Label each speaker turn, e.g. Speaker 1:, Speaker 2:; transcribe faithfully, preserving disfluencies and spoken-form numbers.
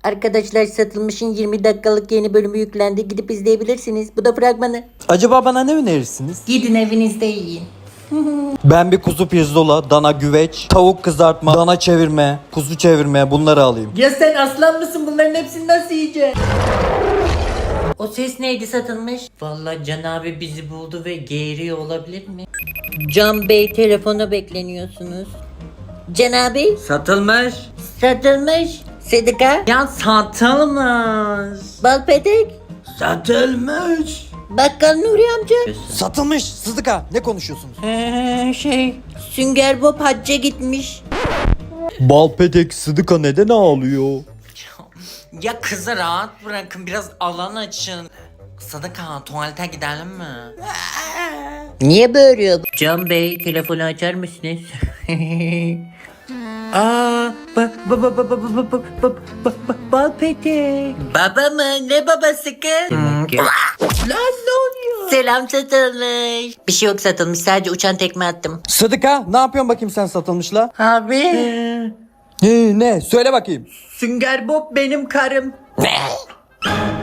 Speaker 1: Arkadaşlar Satılmış'ın yirmi dakikalık yeni bölümü yüklendi. Gidip izleyebilirsiniz. Bu da fragmanı.
Speaker 2: Acaba bana ne önerirsiniz?
Speaker 1: Gidin evinizde yiyin.
Speaker 2: Ben bir kuzu pirzola, dana güveç, tavuk kızartma, dana çevirme, kuzu çevirme bunları alayım.
Speaker 1: Ya sen aslan mısın? Bunların hepsini nasıl yiyeceksin? O ses neydi Satılmış? Vallahi Can abi bizi buldu ve geğiriyor olabilir mi? Can Bey telefona bekleniyorsunuz. Can abi
Speaker 3: Satılmış.
Speaker 1: Satılmış. Sıdıka.
Speaker 3: Ya satılmış.
Speaker 1: Balpedek.
Speaker 3: Satılmış.
Speaker 1: Bakkal Nuri amca.
Speaker 2: Satılmış Sıdıka, ne konuşuyorsunuz?
Speaker 1: Ee, şey. Sünger Bob hacca gitmiş.
Speaker 2: Balpedek Sıdıka neden ağlıyor?
Speaker 3: Ya kızı rahat bırakın, biraz alan açın. Sadıka, tuvalete gidelim mi?
Speaker 1: Niye bağırıyor? Can Bey telefonu açar mısınız? Aa, ba ba ba ba ba ba ba ba ba ba Balpedek. Baba mı? Ne babası kız? Lan ne oluyor? Selam Satılmış. Bir şey yok Satılmış, sadece uçan tekme attım.
Speaker 2: Sıdıka, ne yapıyorsun bakayım sen Satılmışla?
Speaker 1: Abi.
Speaker 2: Ee, ne? Söyle bakayım.
Speaker 1: Sünger Bob benim karım.